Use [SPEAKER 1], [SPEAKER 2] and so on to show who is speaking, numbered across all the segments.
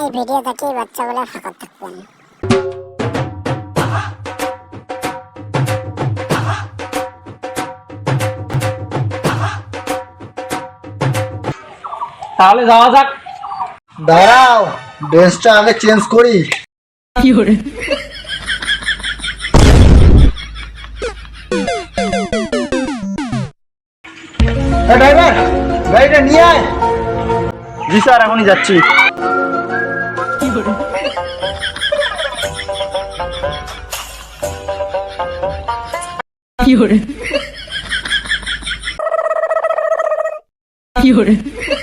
[SPEAKER 1] এই ভিডিও দেখে বাচ্চাগুলো ফাঁকা থাকবেন।
[SPEAKER 2] তাহলে যাওয়া যাক।
[SPEAKER 3] দাঁড়াও, ড্রেসটা আগে চেঞ্জ করি।
[SPEAKER 4] কি করে
[SPEAKER 3] ড্রাইভার, গাড়িটা নিয়ে আয়।
[SPEAKER 2] জি স্যার, এখনই যাচ্ছি।
[SPEAKER 4] কি করে কি করে কি করে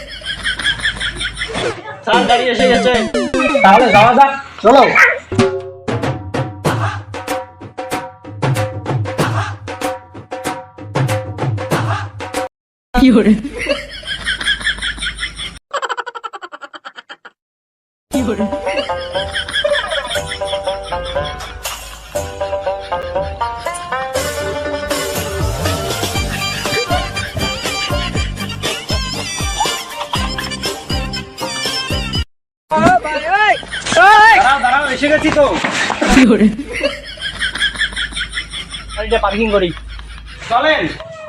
[SPEAKER 2] স্যার গাড়ি এসে গেছে, তাহলে যাওয়া যাক।
[SPEAKER 3] চলো।
[SPEAKER 4] কি করে কি করে
[SPEAKER 2] দাঁড়াও দাঁড়াও, এসে গেছি তো।
[SPEAKER 4] কি করে
[SPEAKER 2] গাড়িটা পার্কিং করি, চলেন।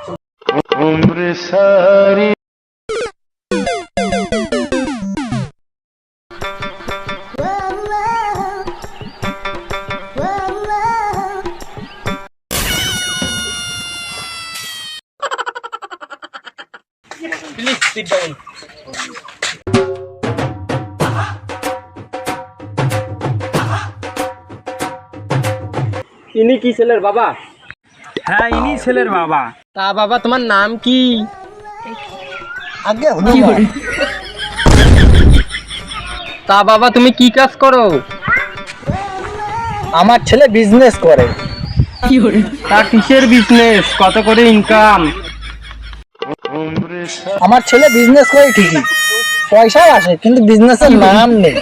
[SPEAKER 2] Please sit down. ইনি কি ছেলের বাবা? হ্যাঁ, ইনি ছেলের বাবা। তা বাবা, তোমার নাম কি?
[SPEAKER 3] আগে
[SPEAKER 4] কি করে
[SPEAKER 2] তা বাবা, তুমি কি কাজ করো?
[SPEAKER 3] আমার ছেলে বিজনেস করে।
[SPEAKER 4] কি করে
[SPEAKER 2] তা কিসের বিজনেস, কত করে ইনকাম?
[SPEAKER 3] আমার ছেলে বিজনেস করে ঠিকই, পয়সাও আসে, কিন্তু বিজনেসের নাম নেই।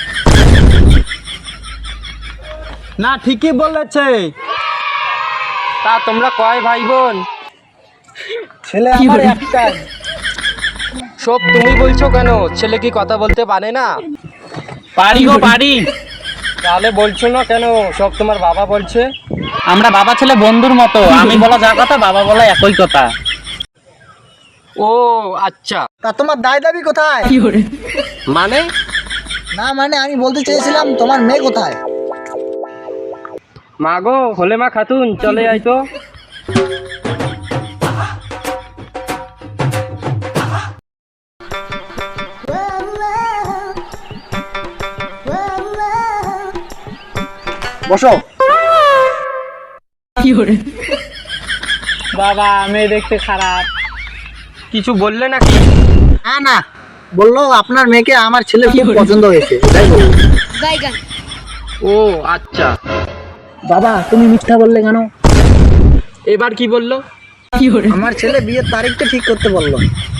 [SPEAKER 2] না, ঠিকই বলেছে। তা তোমরা কয় ভাই বোন?
[SPEAKER 3] ছেলে
[SPEAKER 4] কি
[SPEAKER 3] আমার
[SPEAKER 4] বলে?
[SPEAKER 3] একটাই।
[SPEAKER 2] সব তুমি বলছো কেন? ছেলে কি কথা বলতে পারে না? পারি গো, পারি। তাহলে বলছো না কেন? সব তোমার বাবা বলছে। আমরা বাবা ছেলে বন্ধুর মতো, আমি বলা যা কথা, বাবা বলা একই কথা। ও আচ্ছা।
[SPEAKER 3] তা তোমার দায় দাবি কোথায়?
[SPEAKER 4] কি করে
[SPEAKER 2] মানে?
[SPEAKER 3] না মানে আমি বলতে চেয়েছিলাম তোমার মেয়ে কোথায়?
[SPEAKER 2] মা গো, হলে মা খাতুন, চলে আয় তো।
[SPEAKER 3] বসো।
[SPEAKER 4] কি করে
[SPEAKER 2] বাবা, মেয়ে দেখতে খারাপ, কিছু বললে নাকি?
[SPEAKER 3] না না, বললো আপনার মেয়েকে আমার ছেলে খুব পছন্দ হয়েছে, তাই বললো।
[SPEAKER 2] ও আচ্ছা।
[SPEAKER 3] বাবা তুমি মিথ্যা বললে কেন?
[SPEAKER 2] এবার কি বললো?
[SPEAKER 4] কি করে
[SPEAKER 3] আমার ছেলে বিয়ের তারিখটা ঠিক করতে বললো।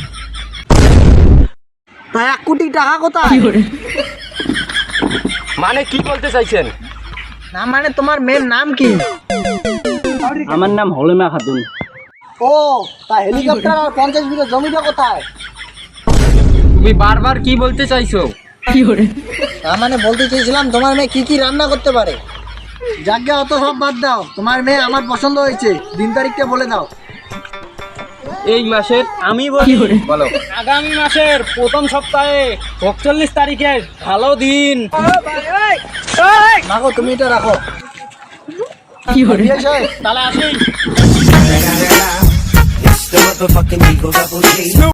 [SPEAKER 3] তা 1 কোটি টাকা কোথায়?
[SPEAKER 4] কি করে
[SPEAKER 2] মানে কি বলতে চাইছেন?
[SPEAKER 3] না মানে তোমার মেয়ের নাম কি?
[SPEAKER 2] আমার নাম হলিমা খাতুন।
[SPEAKER 3] ও, তা হেলিকপ্টার আর 50 বিঘা জমিটা কোথায়?
[SPEAKER 2] তুমি বারবার কি বলতে চাইছো?
[SPEAKER 4] কি করে
[SPEAKER 3] না মানে বলতে চেয়েছিলাম তোমার মেয়ে কি কি রান্না করতে পারে। যাকে অত সব বাদ দাও, তোমার মেয়ে আমার পছন্দ হয়েছে, দিন তারিখটা বলে দাও।
[SPEAKER 2] এই মাসের, আমি
[SPEAKER 4] কি
[SPEAKER 2] বলি,
[SPEAKER 4] করে
[SPEAKER 2] বলো, আগামী মাসের প্রথম সপ্তাহে ৪৫ তারিখের ভালো দিন।
[SPEAKER 3] মাগো তুমি এটা রাখো।
[SPEAKER 4] কি করে
[SPEAKER 3] বিয়ে সাহেব,
[SPEAKER 2] তাহলে আসি।
[SPEAKER 5] It's the motherfucking Eagle Double G.